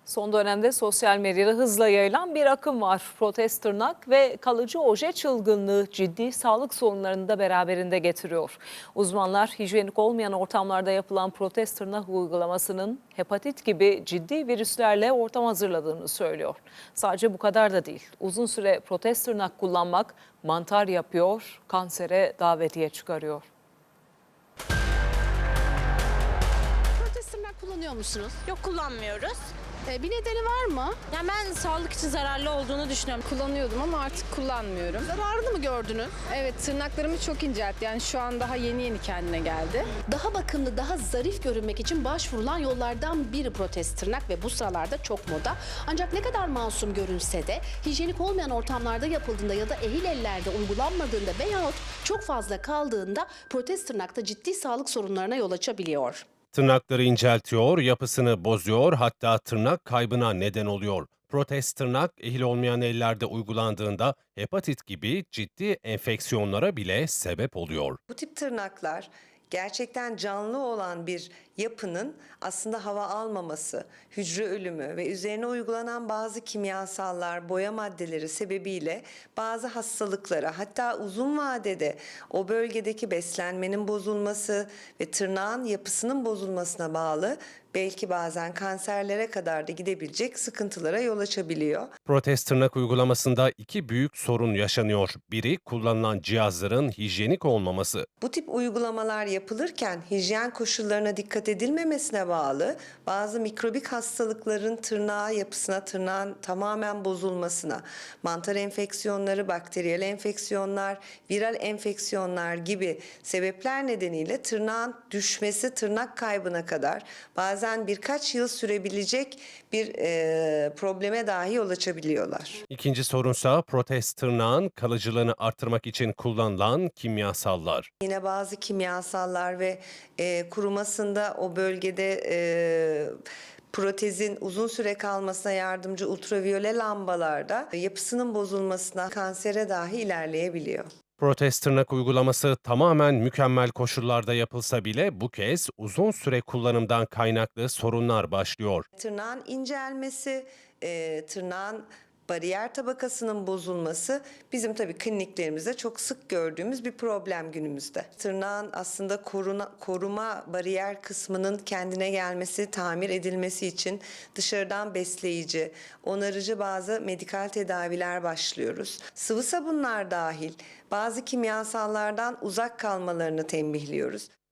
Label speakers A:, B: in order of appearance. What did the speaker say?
A: Son dönemde sosyal medyada hızla yayılan bir akım var. Protez tırnak ve kalıcı oje çılgınlığı ciddi sağlık sorunlarını da beraberinde getiriyor. Uzmanlar hijyenik olmayan ortamlarda yapılan protez tırnak uygulamasının hepatit gibi ciddi virüslerle ortam hazırladığını söylüyor. Sadece bu kadar da değil. Uzun süre protez tırnak kullanmak mantar yapıyor, kansere davetiye çıkarıyor.
B: Protez tırnak kullanıyor musunuz?
C: Yok, kullanmıyoruz.
B: Bir nedeni var mı?
C: Yani ben sağlık için zararlı olduğunu düşünüyorum.
D: Kullanıyordum ama artık kullanmıyorum.
B: Zararını mı gördünüz?
D: Evet, tırnaklarımı çok inceltti. Yani şu an daha yeni kendine geldi.
B: Daha bakımlı, daha zarif görünmek için başvurulan yollardan biri protez tırnak ve bu sıralarda çok moda. Ancak ne kadar masum görünse de hijyenik olmayan ortamlarda yapıldığında ya da ehil ellerde uygulanmadığında veyahut çok fazla kaldığında protez tırnakta ciddi sağlık sorunlarına yol açabiliyor.
E: Tırnakları inceltiyor, yapısını bozuyor, hatta tırnak kaybına neden oluyor. Protez tırnak ehil olmayan ellerde uygulandığında hepatit gibi ciddi enfeksiyonlara bile sebep oluyor.
F: Bu tip tırnaklar gerçekten canlı olan bir yapının aslında hava almaması, hücre ölümü ve üzerine uygulanan bazı kimyasallar, boya maddeleri sebebiyle bazı hastalıklara, hatta uzun vadede o bölgedeki beslenmenin bozulması ve tırnağın yapısının bozulmasına bağlı belki bazen kanserlere kadar da gidebilecek sıkıntılara yol açabiliyor.
E: Protez tırnak uygulamasında iki büyük sorun yaşanıyor. Biri, kullanılan cihazların hijyenik olmaması.
F: Bu tip uygulamalar yapılırken hijyen koşullarına dikkat edilmemesine bağlı bazı mikrobik hastalıkların tırnağı yapısına, tırnağın tamamen bozulmasına, mantar enfeksiyonları, bakteriyel enfeksiyonlar, viral enfeksiyonlar gibi sebepler nedeniyle tırnağın düşmesi, tırnak kaybına kadar bazen birkaç yıl sürebilecek bir probleme dahi yol açabiliyorlar.
E: İkinci sorunsa protez tırnağın kalıcılığını artırmak için kullanılan kimyasallar.
F: Yine bazı kimyasallar ve kurumasında o bölgede protezin uzun süre kalmasına yardımcı ultraviyole lambalarda yapısının bozulmasına, kansere dahi ilerleyebiliyor.
E: Protez tırnak uygulaması tamamen mükemmel koşullarda yapılsa bile bu kez uzun süre kullanımdan kaynaklı sorunlar başlıyor.
F: Tırnağın incelmesi, tırnağın bariyer tabakasının bozulması bizim tabii kliniklerimizde çok sık gördüğümüz bir problem günümüzde. Tırnağın aslında koruma bariyer kısmının kendine gelmesi, tamir edilmesi için dışarıdan besleyici, onarıcı bazı medikal tedaviler başlıyoruz. Sıvı sabunlar dahil bazı kimyasallardan uzak kalmalarını tembihliyoruz.